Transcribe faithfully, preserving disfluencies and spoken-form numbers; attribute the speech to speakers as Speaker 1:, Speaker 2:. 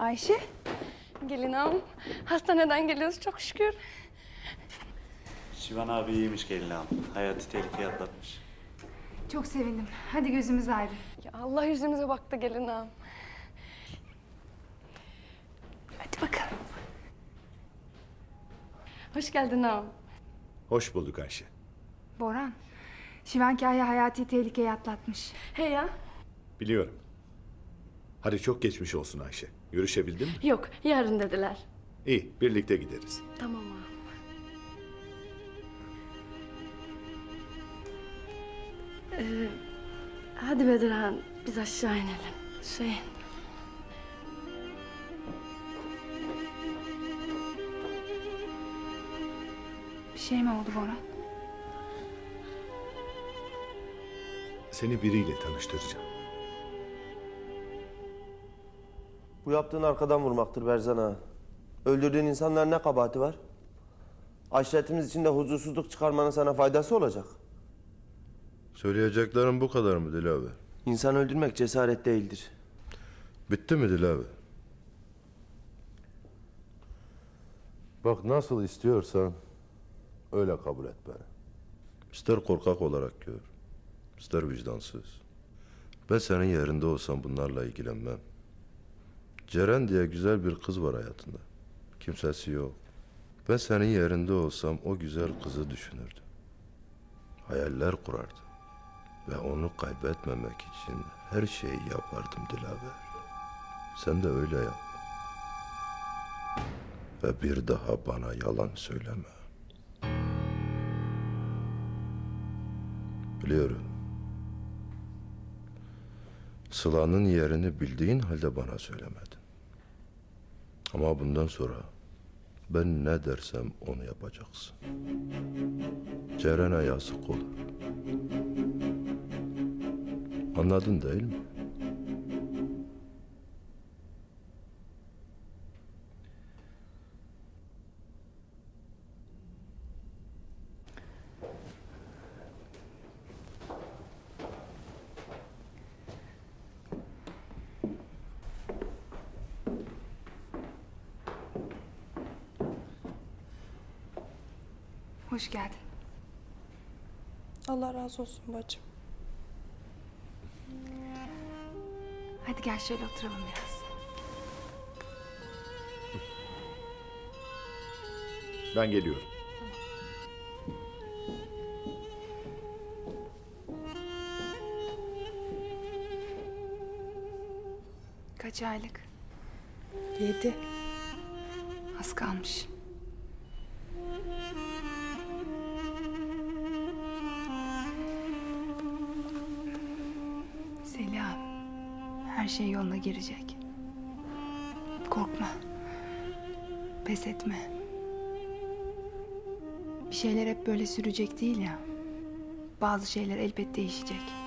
Speaker 1: Ayşe.
Speaker 2: Gelin ağam, hastaneden geliyoruz çok şükür.
Speaker 3: Şivan abi iyiymiş gelin ağam. Hayati tehlikeye atlatmış.
Speaker 1: Çok sevindim. Hadi gözümüz aydın.
Speaker 2: Ya Allah yüzümüze baktı gelin ağam.
Speaker 1: Hadi bakalım.
Speaker 2: Hoş geldin ağam.
Speaker 4: Hoş bulduk Ayşe.
Speaker 1: Boran, Şivan Kaya hayati tehlikeyi atlatmış.
Speaker 2: He ya?
Speaker 4: Biliyorum. Hadi çok geçmiş olsun Ayşe. Görüşebildin mi?
Speaker 2: Yok, yarın dediler.
Speaker 4: İyi, birlikte gideriz.
Speaker 2: Tamam ağam. Ee, hadi Bedirhan, biz aşağı inelim. Şey...
Speaker 1: Bir şey mi oldu Boran?
Speaker 4: Seni biriyle tanıştıracağım.
Speaker 5: Bu yaptığın arkadan vurmaktır Berzan ağa. Öldürdüğün insanların ne kabahati var? Aşiretimiz içinde huzursuzluk çıkarmanın sana faydası olacak.
Speaker 6: Söyleyeceklerim bu kadar mı Dilaver?
Speaker 5: İnsan öldürmek cesaret değildir.
Speaker 6: Bitti mi Dilaver? Bak nasıl istiyorsan öyle kabul et beni. İster korkak olarak gör, ister vicdansız. Ben senin yerinde olsam bunlarla ilgilenmem. Ceren diye güzel bir kız var hayatında. Kimsesi yok. Ben senin yerinde olsam o güzel kızı düşünürdüm. Hayaller kurardım. Ve onu kaybetmemek için her şeyi yapardım Dilaver. Sen de öyle yap. Ve bir daha bana yalan söyleme. Biliyorum. Sıla'nın yerini bildiğin halde bana söylemedin. Ama bundan sonra ben ne dersem onu yapacaksın. Ceren'e yazık olur. Anladın değil mi?
Speaker 1: Hoş geldin.
Speaker 2: Allah razı olsun bacım.
Speaker 1: Hadi gel şöyle oturalım biraz.
Speaker 4: Ben geliyorum.
Speaker 1: Kaç aylık?
Speaker 2: Yedi.
Speaker 1: Az kalmış. Selam. Her şey yoluna girecek. Korkma. Pes etme. Bir şeyler hep böyle sürecek değil ya. Bazı şeyler elbet değişecek.